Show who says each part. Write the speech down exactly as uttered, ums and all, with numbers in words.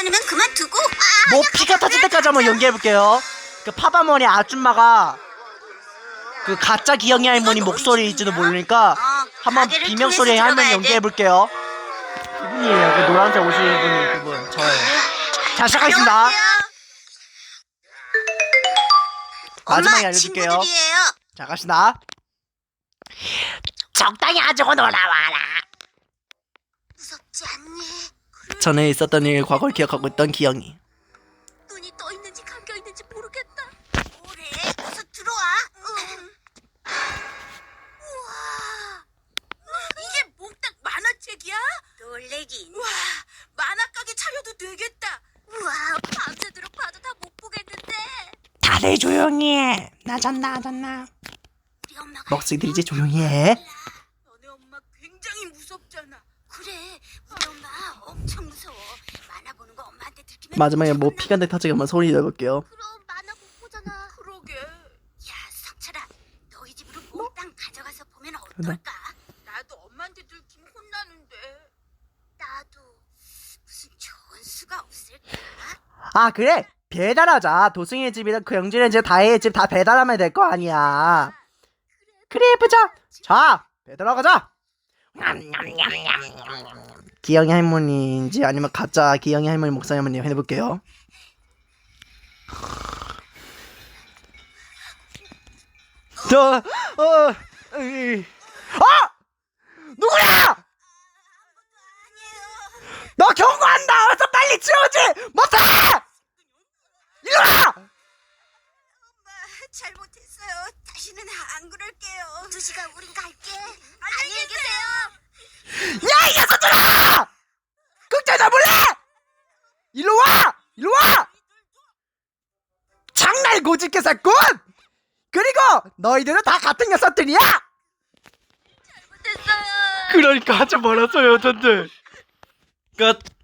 Speaker 1: 괜찮으면 그만두고. 아,
Speaker 2: 뭐 피가 터질 때까지 한번 연기해볼게요. 그 파바머니 아줌마가 그 가짜 기영이 할머니 목소리일지도 모르니까 한번
Speaker 1: 가게를
Speaker 2: 비명소리
Speaker 1: 통해서
Speaker 2: 할머니
Speaker 1: 들어가야 돼.
Speaker 2: 연기해볼게요. 이분이에요. 그 노란색 옷을 입은 그분 저예요. 자, 시작하겠습니다.
Speaker 1: 안녕하세요.
Speaker 2: 마지막에
Speaker 1: 엄마,
Speaker 2: 알려줄게요.
Speaker 1: 친구들이에요.
Speaker 2: 자, 갑시다. 적당히 하자고 놀아와라.
Speaker 1: 무섭지 않니?
Speaker 2: 전에 있었던 일 과거를 기억하고 있던 기영이.
Speaker 1: 눈이 떠 있는지 감겨 있는지 모르겠다. 뭐래? 어서 들어와. 응. 우와. 이게 몽땅 만화책이야? 놀래긴. 와, 만화 가게 차려도 되겠다. 우와, 밤새도록 봐도 다 못 보겠는데.
Speaker 2: 다들 조용히 해. 나 잤나 안 잤나.
Speaker 1: 우리 엄마가
Speaker 2: 먹쓰기들 이제 조용히 해.
Speaker 1: 너네 엄마 굉장히 무섭잖아. 그래, 우리 엄마 엄청 무서워. 만화 보는 거 엄마한테 들키면
Speaker 2: 마지막에 뭐 피가 내 터지게 한번 소리 내볼게요.
Speaker 1: 그럼 만화 못 보잖아. 그러게. 야, 성철아, 너희 집으로 몽땅 가져가서 보면 어떨까? 나도 엄마한테 들키면 혼나는데. 나도 무슨 좋은 수가 없을까?
Speaker 2: 아, 그래. 배달하자. 도승이의 집이랑 그 영진의 집, 다혜의 집 다 배달하면 될 거 아니야. 그래, 해보자. 자, 배달하러 가자. 기영이 할머니인지 아니면 가짜 기영이 할머니 목사님 할머니 해볼게요. 저, 어, 으이. 아! 누구야? 너 경고한다. 어서 빨리 치우지. 못해. 이리 와.
Speaker 1: 엄마, 잘못했어요. 다시는 안 그럴게요. 두 시간 우린 갈게. 안녕히 계세요.
Speaker 2: 야, 이 녀석들아! 극장 잡을래? 일로 와! 일로 와! 장날 고집개사꾼! 그리고 너희들은 다 같은 녀석들이야!
Speaker 1: 됐어요.
Speaker 2: 그러니까 하지 말았어요, 여전들. 끝.